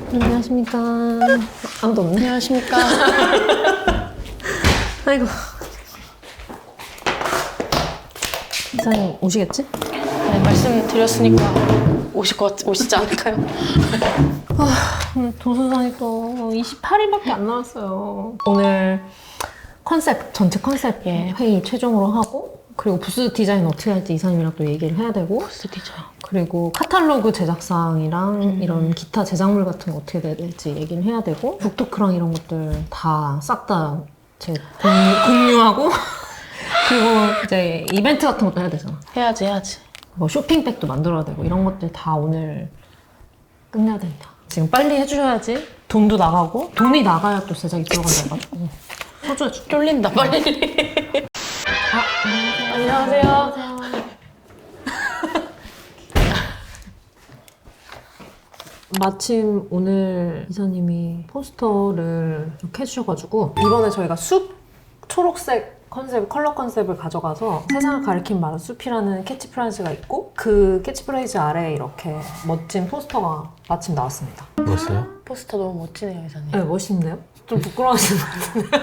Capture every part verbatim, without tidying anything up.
안녕하십니까. 아무도 없네. 안녕하십니까. 아이고. 이사님 오시겠지? 네, 말씀드렸으니까 오실 것 같, 오시지 않을까요? 아, 오늘 도서관이 또 이십팔 일밖에 안 남았어요. 오늘 컨셉, 전체 컨셉 예. 회의 최종으로 하고, 그리고 부스 디자인 어떻게 할지 이사님이랑 또 얘기를 해야 되고, 부스 디자인. 그리고 카탈로그 제작상이랑 음. 이런 기타 제작물 같은 거 어떻게 돼야 될지 얘기를 해야 되고, 북토크랑 이런 것들 다 싹 다 제 공유하고, 그리고 이제 이벤트 같은 것도 해야 되잖아. 해야지, 해야지. 뭐 쇼핑백도 만들어야 되고 이런 것들 다 오늘 끝내야 됩니다. 지금 빨리 해주셔야지 돈도 나가고, 돈이 나가야 또 제작이 들어간다 해가지고 서줘야죠. 쫄린다, 빨리. 아, 안녕하세요. 안녕하세요. 마침 오늘 이사님이 포스터를 이렇게 해주셔가지고, 이번에 저희가 숲 초록색 컨셉, 컬러 컨셉을 가져가서 세상을 가리킨 말은 숲이라는 캐치프레이즈가 있고, 그 캐치프레이즈 아래에 이렇게 멋진 포스터가 마침 나왔습니다. 뭐였어요? 포스터 너무 멋지네요, 이사님. 네, 멋있는데요? 좀 부끄러워하시는 것 같은데.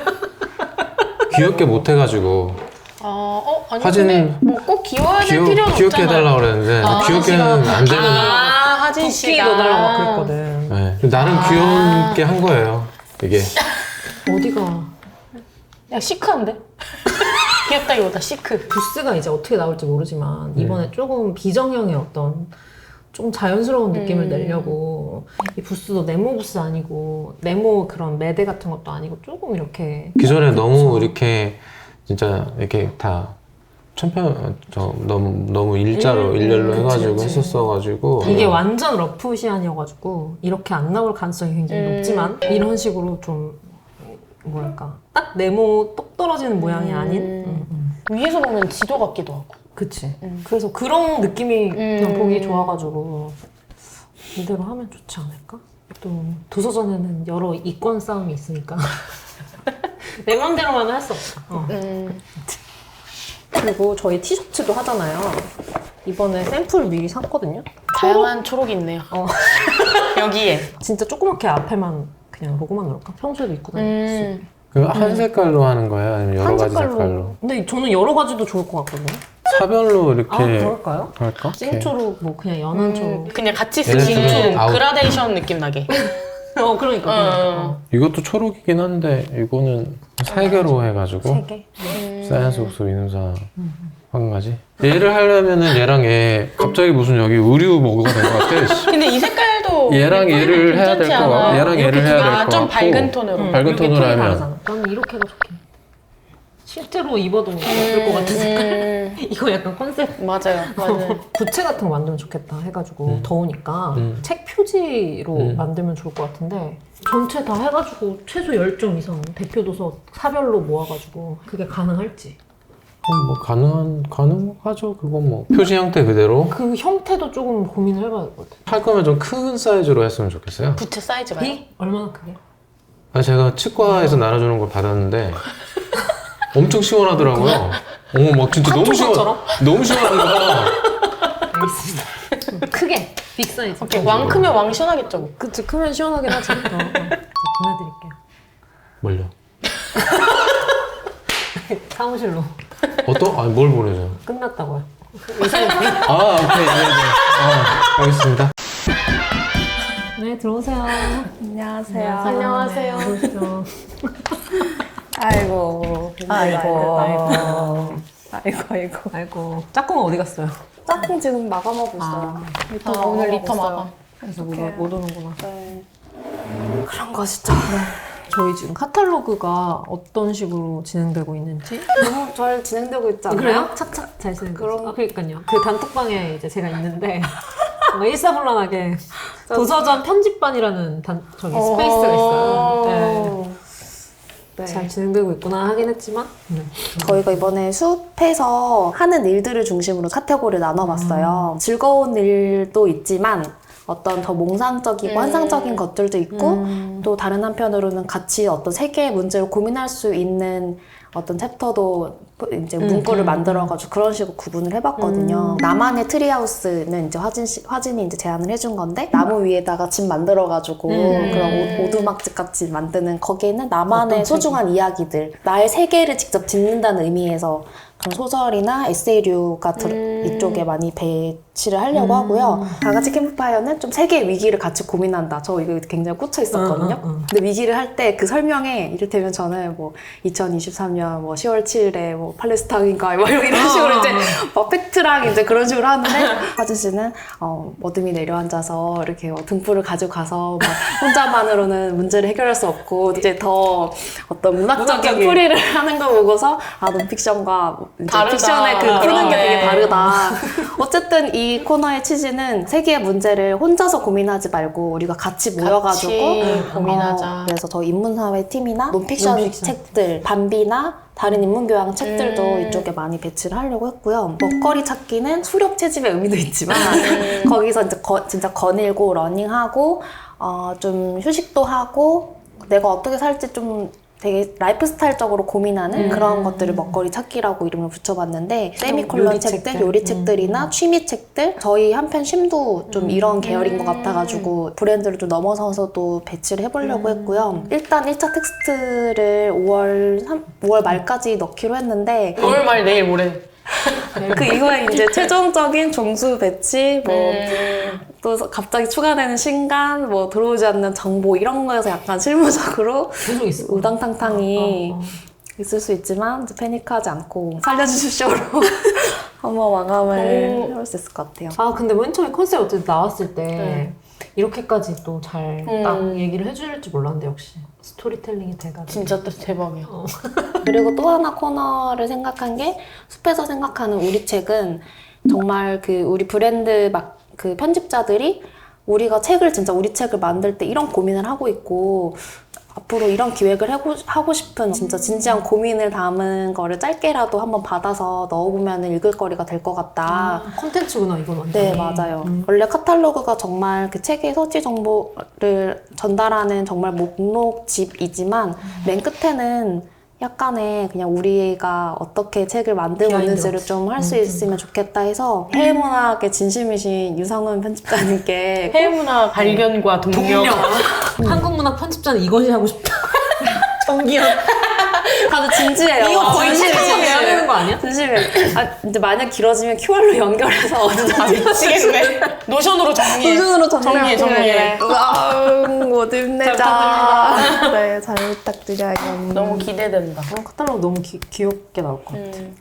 귀엽게 못해가지고 아, 어? 아니, 화진을 뭐꼭 귀여워야 될 귀여, 필요는 귀엽게 없잖아요. 해달라고 그랬는데 아, 귀엽게는 안 되는 아, 하진 도끼 씨가. 넣어달라고 막 그랬거든. 네. 나름 아. 귀여운 게 한 거예요 이게. 어디가? 야, 시크한데? 귀엽다기보다 시크. 부스가 이제 어떻게 나올지 모르지만 이번에 조금 비정형의 어떤 좀 자연스러운 느낌을 음. 내려고, 이 부스도 네모 부스 아니고 네모 그런 매대 같은 것도 아니고 조금 이렇게 기존에 그쵸. 너무 이렇게 진짜 이렇게 다 천편 저 너무 너무 일자로 음, 일렬로 그치, 해가지고 그치. 했었어가지고 이게 완전 러프 시안이어가지고 이렇게 안 나올 가능성이 굉장히 음. 높지만, 이런 식으로 좀 뭐랄까 딱 네모 똑 떨어지는 모양이 음. 아닌 음, 음. 위에서 보면 지도 같기도 하고. 그치. 음. 그래서 그런 느낌이 그냥 음. 보기 좋아가지고 이대로 하면 좋지 않을까? 또 도서전에는 여러 이권 싸움이 있으니까 내 맘대로만 할 수 없다. 어. 음. 그리고 저희 티셔츠도 하잖아요. 이번에 샘플 미리 샀거든요. 다양한 초록이 있네요. 어. 여기에. 진짜 조그맣게 앞에만 그냥 로고만 넣을까? 평소에도 입고 다닐 수 있게. 음. 그럼 한 색깔로 하는 거예요? 아니면 여러 한 가지 색깔로. 색깔로? 근데 저는 여러 가지도 좋을 것 같거든요. 사별로 이렇게 아, 그럴까요? 할까? 생초록, 뭐 그냥 연한 초록. 음, 그냥 같이 얘네 쓰기는 둘은 아웃. 그라데이션 느낌 나게. 어, 그러니까. 그러니까. 어. 이것도 초록이긴 한데 이거는 세 개로 해가지고 세 개. 음. 사이언스 옥수 이누사 한 가지. 얘를 하려면은 얘랑 얘 갑자기 무슨 여기 의류 뭐가 된 것 같아. 씨. 근데 이 색깔도 얘랑 얘를 해야 될 거 같고 얘랑 얘를 해야 될 거 아, 같고 좀 밝은 톤으로. 응, 밝은 이렇게 톤으로 톤이 하면. 다르잖아. 나는 이렇게가 좋게. 실제로 입어도 예쁠 것 같은 색깔. 음. 이거 약간 컨셉. 맞아요, 맞아요. 부채 같은 거 만들면 좋겠다 해가지고 음. 더우니까 음. 책 표지로 음. 만들면 좋을 것 같은데, 전체 다 해가지고 최소 열 점 이상 대표 도서 사별로 모아가지고 그게 가능할지. 어, 뭐 가능한 가능하죠. 그건 뭐 표지 형태 그대로 그 형태도 조금 고민을 해봐야 될 것 같아요. 할 거면 좀 큰 사이즈로 했으면 좋겠어요. 부채 사이즈가요? 비? 얼마나 크게? 아 제가 치과에서 나눠주는 걸 받았는데 엄청 시원하더라고요. 어머 막 진짜 너무 시원 한쪽처럼? 너무 시원한 거야. 알겠습니다. 크게 빅 사이즈. 오케이, 왕 크면 왕 시원하겠죠. 그치, 크면 시원하긴 하지. 어, 어. 보내드릴게요. 뭘요? 사무실로. 어떤? 아니 뭘 보내줘요? 끝났다고요. 아 오케이 네, 네. 아, 알겠습니다. 네, 들어오세요. 안녕하세요. 안녕하세요. 들어오시죠. 아이고. 아이고. 아이고. 아이고, 아이고. 아이고, 짝꿍은 어디 갔어요? 짝꿍 지금 마감하고 있어요. 리터 아, 오늘 리터 있어요. 마감. 그래서 못, 어떡해. 못 오는구나. 네. 그런 것이죠. 저희 지금 카탈로그가 어떤 식으로 진행되고 있는지. 너무 잘 진행되고 있지 않나요? 그래요? 착착 잘 진행되고 그럼- 있어요. 아, 그러니까요. 그 단톡방에 이제 제가 있는데 뭔가 일사불란하게 도서전 편집반이라는 단, 저기 스페이스가 있어요. 네. 네. 잘 진행되고 있구나 하긴 했지만. 네. 저희가 이번에 숲에서 하는 일들을 중심으로 카테고리를 나눠봤어요. 음. 즐거운 일도 있지만 어떤 더 몽상적이고 음. 환상적인 것들도 있고 음. 또 다른 한편으로는 같이 어떤 세계의 문제를 고민할 수 있는 어떤 챕터도 이제 음, 문구를 음, 만들어가지고 그런 식으로 구분을 해봤거든요. 음. 나만의 트리하우스는 이제 화진 씨, 화진이 이제 제안을 해준 건데 나무 위에다가 집 만들어가지고 음. 그런 오- 오두막집 같이 만드는 거기에는 나만의 어떤 소중한 이야기들, 나의 세계를 직접 짓는다는 의미에서 그런 소설이나 에세이류가 들- 음. 이쪽에 많이 배치를 하려고 음. 하고요. 다 같이 캠프파이어는 좀 세계의 위기를 같이 고민한다. 저 이거 굉장히 꽂혀 있었거든요. 응, 응, 응. 근데 위기를 할 때 그 설명에 이를테면 저는 뭐 이천이십삼 년 뭐 시월 칠일에 뭐 팔레스타인인가 뭐 이런 이런 식으로 아, 이제 아. 막 팩트랑 이제 그런 식으로 하는데 하진 씨는 어, 어둠이 내려앉아서 이렇게 뭐 등불을 가져가서 막 혼자만으로는 문제를 해결할 수 없고 이제 더 어떤 문학적인 문학적인. 풀이를 하는 거 보고서 아 논픽션과 이제 다르다. 픽션의 그 푸는 게 네. 되게 다르다. 어쨌든 이 코너의 취지는 세계의 문제를 혼자서 고민하지 말고 우리가 같이 모여가지고 같이 고민하자. 어, 그래서 저 인문사회 팀이나 논픽션, 논픽션. 책들, 반비나 다른 인문교양 책들도 음. 이쪽에 많이 배치를 하려고 했고요. 먹거리 찾기는 수렵 채집의 의미도 있지만 음. 거기서 이제 거, 진짜 거닐고 러닝하고 어, 좀 휴식도 하고 내가 어떻게 살지 좀 되게 라이프 스타일적으로 고민하는 음. 그런 것들을 먹거리 찾기라고 이름을 붙여봤는데 세미콜론 요리책들. 책들, 요리책들이나 음. 취미책들 저희 한편 쉼도 좀 음. 이런 계열인 것 음. 같아가지고 브랜드를 좀 넘어서서도 배치를 해보려고 음. 했고요. 일단 일 차 텍스트를 오월, 오월 말까지 넣기로 했는데 오월 말 내일 모레. 그 이후에 이제 최종적인 종수 배치 뭐 음. 또 갑자기 추가되는 신간, 뭐 들어오지 않는 정보 이런 거에서 약간 실무적으로 계속 있을 거야. 우당탕탕이 어, 어. 있을 수 있지만 이제 패닉하지 않고 살려주십시오로 한번 마감을 오. 해볼 수 있을 것 같아요. 아 근데 맨 처음에 컨셉 어쨌든 나왔을 때 네. 이렇게까지 또 잘 딱 음. 얘기를 해줄지 몰랐는데 역시 스토리텔링이 돼가지고 진짜 또 대박이야. 그리고 또 하나 코너를 생각한 게 숲에서 생각하는 우리 책은 정말 그 우리 브랜드 막 그 편집자들이 우리가 책을 진짜 우리 책을 만들 때 이런 고민을 하고 있고 앞으로 이런 기획을 하고, 하고 싶은 진짜 진지한 고민을 담은 거를 짧게라도 한번 받아서 넣어보면 읽을 거리가 될 것 같다. 아, 콘텐츠구나 이건 완전. 네, 맞아요. 음. 원래 카탈로그가 정말 그 책의 서치 정보를 전달하는 정말 목록집이지만 맨 끝에는 약간의 그냥 우리가 어떻게 책을 만들고 비하인드 있는지를 같이. 좀 할 수 음, 음. 있으면 좋겠다 해서 해외문학에 진심이신 유성은 편집자님께 해외문화 발견과 동력. 한국 문학 편집자는 이것이 하고 싶다. 정기현. 다들 진지해요. 이거 거의 진심이에요, 책으로 해야 진심이에요. 되는 거 아니야? 진심이에요. 아, 이제 만약 길어지면 큐알로 연결해서 어디든지 미치겠네. 노션으로 정리해. 도전으로 정리해, 정리해. 못 힘내자. 네, 잘 부탁드려요. 너무 기대된다. 어, 카탈로그 너무 기, 귀엽게 나올 것 같아. 음.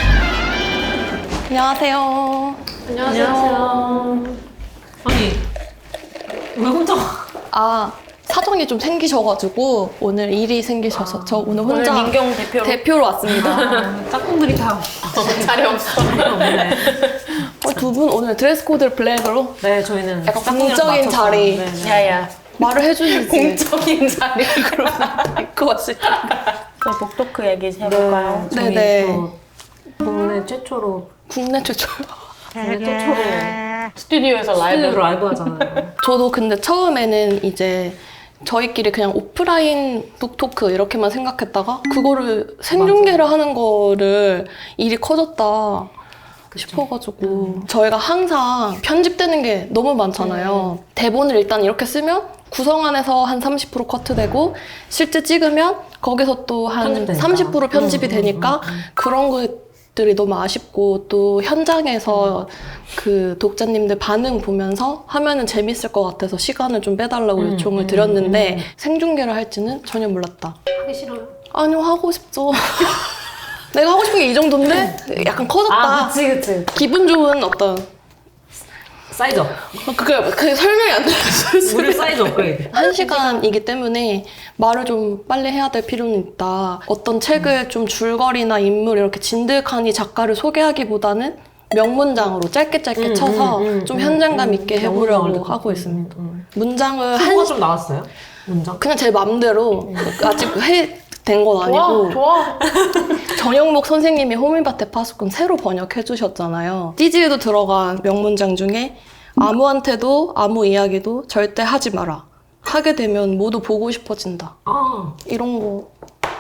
안녕하세요. 안녕하세요. 아니 왜 혼자? 아, 사정이 좀 생기셔가지고 오늘 일이 생기셔서 저 오늘 오늘 혼자 민경 대표로 대표로 왔습니다. 짝꿍들이 다 자리 없어. 없네. 어, 두 분 오늘 드레스 코드를 블랙으로 네, 저희는 약간 짝꿍이랑 공적인 맞춰서. 자리. 네, 네. 야야. 말을 해주시지. 공적인 자리. 입고 왔을 때. 저희 복도크 얘기 해볼까요? 네, 저희 네네. 또 국내 최초로 국내 최초. 국내 최초로 스튜디오에서 라이브 라이브. 라이브 하잖아요. 저도 근데 처음에는 이제 저희끼리 그냥 오프라인 북토크 이렇게만 생각했다가 그거를 생중계를 하는 거를 일이 커졌다 싶어가지고 저희가 항상 편집되는 게 너무 많잖아요. 대본을 일단 이렇게 쓰면 구성 안에서 한 삼십 퍼센트 커트되고 실제 찍으면 거기서 또 한 편집되니까. 삼십 퍼센트 편집이 음, 음, 되니까 음, 음. 그런 것들이 너무 아쉽고 또 현장에서 그 독자님들 반응 보면서 하면은 재밌을 것 같아서 시간을 좀 빼달라고 음, 요청을 음, 드렸는데 음. 생중계를 할지는 전혀 몰랐다. 하기 싫어요? 아니요, 하고 싶죠. 내가 하고 싶은 게 이 정도인데 약간 커졌다. 아, 그치, 그치. 기분 좋은 어떤 사이즈 업. 그게 그게 설명이 안 돼요. 무료 사이즈 업그레이드. 한 시간이기 때문에 말을 좀 빨리 해야 될 필요는 있다. 어떤 책을 좀 줄거리나 인물 이렇게 진득하니 작가를 소개하기보다는 명문장으로 짧게 짧게 음, 쳐서 음, 음, 좀 음, 현장감 음, 있게 명문장을 해보려고 듣고. 하고 음, 있습니다. 음, 문장을 음. 한 한거 좀 나왔어요? 문장? 그냥 제 맘대로 아직 해 된 건 아니고 좋아, 좋아. 정영목 선생님이 호밀밭의 파수꾼 새로 번역해 주셨잖아요. 띠지에도 들어간 명문장 중에 아무한테도 아무 이야기도 절대 하지 마라. 하게 되면 모두 보고 싶어진다. 아, 이런 거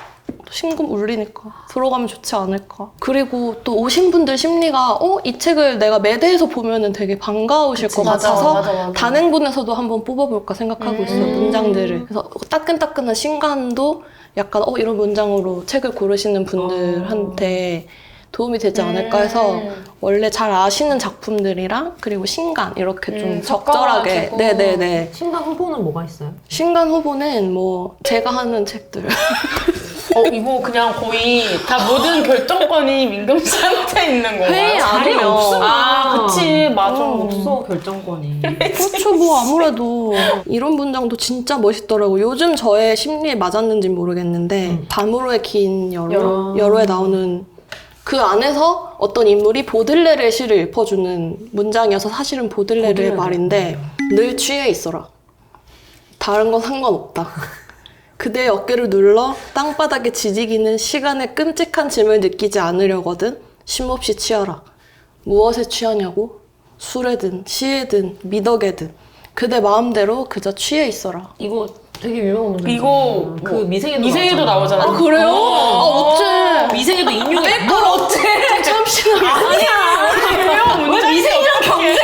신금 울리니까 들어가면 좋지 않을까. 그리고 또 오신 분들 심리가 어? 이 책을 내가 매대에서 보면은 되게 반가우실 것 맞아, 같아서 맞아, 맞아. 단행본에서도 한번 뽑아볼까 생각하고 있어요. 음. 문장들을. 그래서 따끈따끈한 신간도 약간 어 이런 문장으로 책을 고르시는 분들한테 도움이 되지 않을까 해서 음. 원래 잘 아시는 작품들이랑 그리고 신간 이렇게 좀 음, 적절하게 섞어가지고. 네네네. 신간 후보는 뭐가 있어요? 신간 후보는 뭐 제가 하는 책들 어, 이거 그냥 거의 다 모든 결정권이 민금 씨한테 있는 건가요? 회의 안 자리 하면 없어. 아, 그치, 맞아. 음. 없어 결정권이. 그렇죠. 뭐 아무래도 이런 문장도 진짜 멋있더라고. 요즘 저의 심리에 맞았는지 모르겠는데 음. 밤으로의 긴 여로 여로. 여로에 나오는 그 안에서 어떤 인물이 보들레르의 시를 읊어주는 문장이어서 사실은 보들레르의 보들레르. 말인데 늘 취해 있어라. 다른 건 상관없다. 그대의 어깨를 눌러 땅바닥에 지지기는 시간의 끔찍한 짐을 느끼지 않으려거든 쉼없이 취하라. 무엇에 취하냐고? 술에든 시에든 미덕에든 그대 마음대로 그저 취해 있어라. 이거 되게 유명한 문제. 이거 그 뭐 미생에도 미생에도 나오잖아요. 아 그래요? 아 어째? 미생에도 인용해. 뭘 어째? 참신하게. 아니야. 왜 미생이랑 경쟁을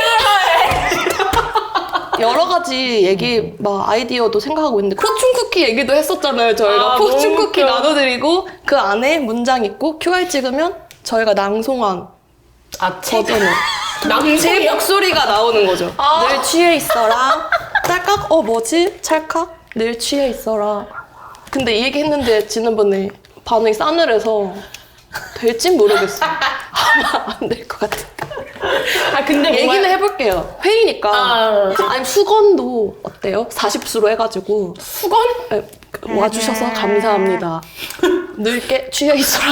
여러 가지 얘기 막 아이디어도 생각하고 있는데 포춘 쿠키 얘기도 했었잖아요. 저희가 아, 포춘 너무 쿠키 웃겨. 나눠드리고 그 안에 문장 있고 큐알 찍으면 저희가 낭송한 아, 책. 버전을 제 낭송이요? 목소리가 나오는 거죠. 아. 늘 취해 있어라. 짤깍 어 뭐지? 찰칵 늘 취해 있어라. 근데 이 얘기 했는데 지난번에 반응이 싸늘해서 될진 모르겠어. 아마 안 될 것 같아. 아, 근데 뭔가- 얘기는 해볼게요. 회의니까. 아. 아니 수건도 어때요? 사십 수로 해가지고 수건? 에, 와주셔서 감사합니다. 늙게 취해 있어라.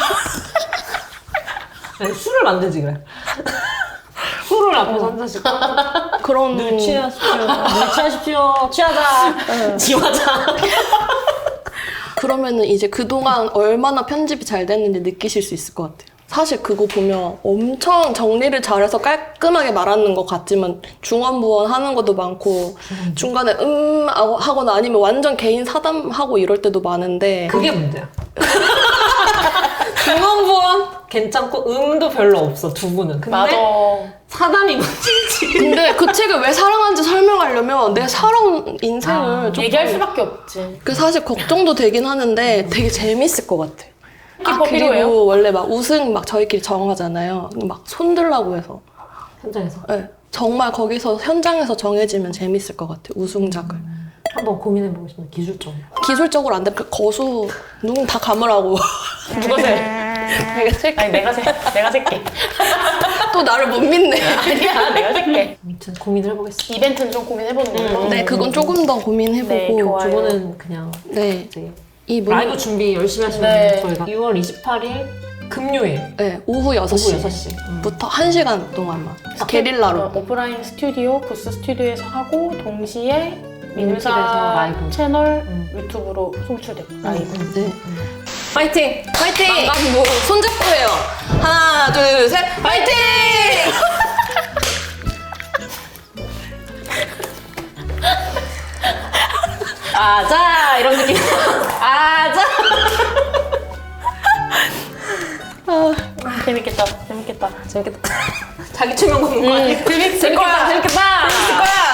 아니, 술을 만들지 그래. 술을 앞에서 한 잔씩. 그런 늘 취하십시오. 늘 취하십시오. 취하자. 지화자. 그러면은 이제 그동안 얼마나 편집이 잘 됐는지 느끼실 수 있을 것 같아요. 사실 그거 보면 엄청 정리를 잘해서 깔끔하게 말하는 것 같지만 중원부원 하는 것도 많고 중간에 음 하고- 하거나 아니면 완전 개인 사담하고 이럴 때도 많은데 그게 문제야. 중원부원 괜찮고 음도 별로 없어 두 분은. 근데 맞아. 사담이 문제지. 근데 그 책을 왜 사랑하는지 설명하려면 내 살아온 인생을 아, 좀 얘기할 수밖에 없지. 그 사실 걱정도 되긴 하는데 되게 재밌을 것 같아. 아, 키퍼 필요해요? 그리고 원래 막 우승 막 저희끼리 정하잖아요. 막 손들라고 해서. 현장에서 네. 정말 거기서 현장에서 정해지면 재밌을 것 같아요. 우승작을. 한번 고민해보고 싶은 기술적으로. 기술적으로 안 돼. 그 거수 눈 다 감으라고. 누가 세? 내가 셀게. 아니, 내가 세. 내가 셀게. 또 나를 못 믿네. 아니야, 내가 셀게. 아무튼 고민을 해보겠습니다. 이벤트는 좀 고민해보는 걸로. 네, 그건 조금 더 네, 고민해보고. 좋아요. 두 분은 그냥 네. 이제 이 문, 라이브 준비 열심히 하시면 네. 저희가 유월 이십팔일 금요일 네, 오후 여섯 오후 시. 여섯 시. 음. 부터 한 시간 동안만. 게릴라로. 어, 오프라인 스튜디오, 부스 스튜디오에서 하고 동시에 민우사 민우집에서 라이브. 채널 음. 유튜브로 송출되고 라이브. 네. 파이팅! 파이팅! 뭐 손잡고 해요. 하나, 둘, 셋, 파이팅! 아자 이런 느낌. 아자. 재밌겠다. 재밌겠다. 재밌겠다. 자기 최면 공부 아니야? 재밌, 재밌겠다. 재밌겠다. 재밌겠다.